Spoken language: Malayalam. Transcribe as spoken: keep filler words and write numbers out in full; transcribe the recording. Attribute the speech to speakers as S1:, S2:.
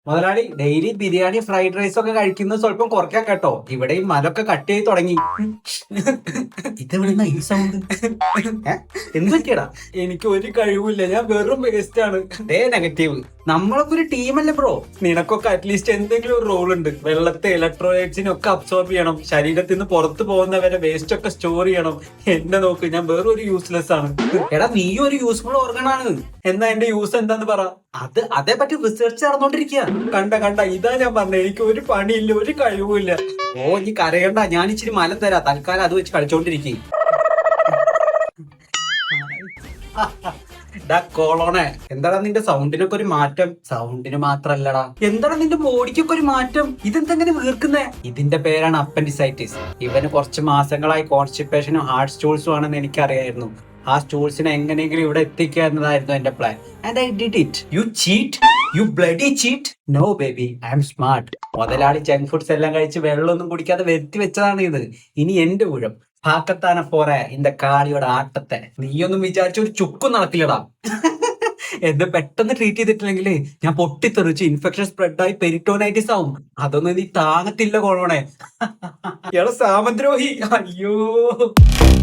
S1: മുതലാളി ഡെയിലി ബിരിയാണി ഫ്രൈഡ് റൈസ് ഒക്കെ കഴിക്കുന്നത് സ്വല്പം കുറയ്ക്കാൻ കേട്ടോ. ഇവിടെ ഈ മലൊക്കെ കട്ട് ചെയ്ത് തുടങ്ങി.
S2: ഇതെവിടുന്ന ഈ സൗണ്ട്?
S1: എന്ത് പറ്റിയടാ? എനിക്ക് ഒരു കഴിവില്ല, ഞാൻ വെറും വേസ്റ്റ് ആണ്. Day negative. നമ്മളൊക്കെ ഒരു ടീമല്ലേ ബ്രോ? നിനക്കൊക്കെ അറ്റ്ലീസ്റ്റ് എന്തെങ്കിലും ഒരു റോൾ ഉണ്ട്. വെള്ളത്തെ ഇലക്ട്രോലൈറ്റ്സിനൊക്കെ അബ്സോർബ് ചെയ്യണം, ശരീരത്തിൽ നിന്ന് പുറത്തു പോകുന്നവരെ വേസ്റ്റ് ഒക്കെ സ്റ്റോർ ചെയ്യണം. എന്നെ നോക്ക്, ഞാൻ വേറെ ഒരു യൂസ്ലെസ് ആണ്. എടാ നീ ഒരു യൂസ്ഫുൾ ഓർഗൻ ആണ്. എന്നാ എന്റെ യൂസ് എന്താന്ന് പറ. അത് അതേ പറ്റി റിസർച്ച് നടന്നോണ്ടിരിക്കുക. കണ്ട കണ്ട ഇതാ ഞാൻ പറഞ്ഞ, എനിക്ക് ഒരു പണിയില്ല, ഒരു കഴിവുമില്ല. ഓ നീ കരയണ്ട, ഞാൻ ഇച്ചിരി മലം തരാം. തൽക്കാലം അത് വെച്ച് കളിച്ചോണ്ടിരിക്കും. കോളോണെ, എന്താടാ നിന്റെ സൗണ്ടിനൊക്കെ ഒരു മാറ്റം? സൗണ്ടിന് മാത്രല്ലടാ, എന്താണ് നിന്റെ ബോഡിക്കൊക്കെ ഒരു മാറ്റം? ഇതെന്തെങ്ങനെ വീർക്കുന്നേ? ഇതിന്റെ പേരാണ് അപ്പൻഡിസൈറ്റിസ്. ഇവന് കുറച്ച് മാസങ്ങളായി കോൺസ്റ്റിപ്പേഷനും ഹാർട്ട് സ്റ്റൂൾസും ആണെന്ന് എനിക്കറിയായിരുന്നു. ആ സ്റ്റൂൾസിനെ എങ്ങനെയെങ്കിലും ഇവിടെ എത്തിക്കുക എന്നതായിരുന്നു എന്റെ plan. And I did it. You cheat, you bloody cheat. No baby, I'm smart. മുതലാളി ജങ്ക് ഫുഡ്സ് എല്ലാം കഴിച്ച് വെള്ളമൊന്നും കുടിക്കാതെ വരുത്തി വെച്ചതാണ് ഇത്. ഇനി എന്റെ ഊഴം. പാക്കത്താനെ പോരെ இந்த കാളിയുടെ ആട്ടത്തെ. നീയൊന്നും വിചാരിച്ച ഒരു ചുക്കും നടക്കില്ലടാ. എന്നെ പെട്ടെന്ന് ട്രീറ്റ് ചെയ്തിട്ടില്ലെങ്കിൽ ഞാൻ പൊട്ടിത്തെറിച്ച് ഇൻഫെക്ഷൻ സ്പ്രെഡായി പെരിറ്റോണൈറ്റിസ് ആവും. അതൊന്നും നീ താങ്ങത്തില്ല കോളോണെ. ഇയാളെ സാമദ്രോഹി. അയ്യോ.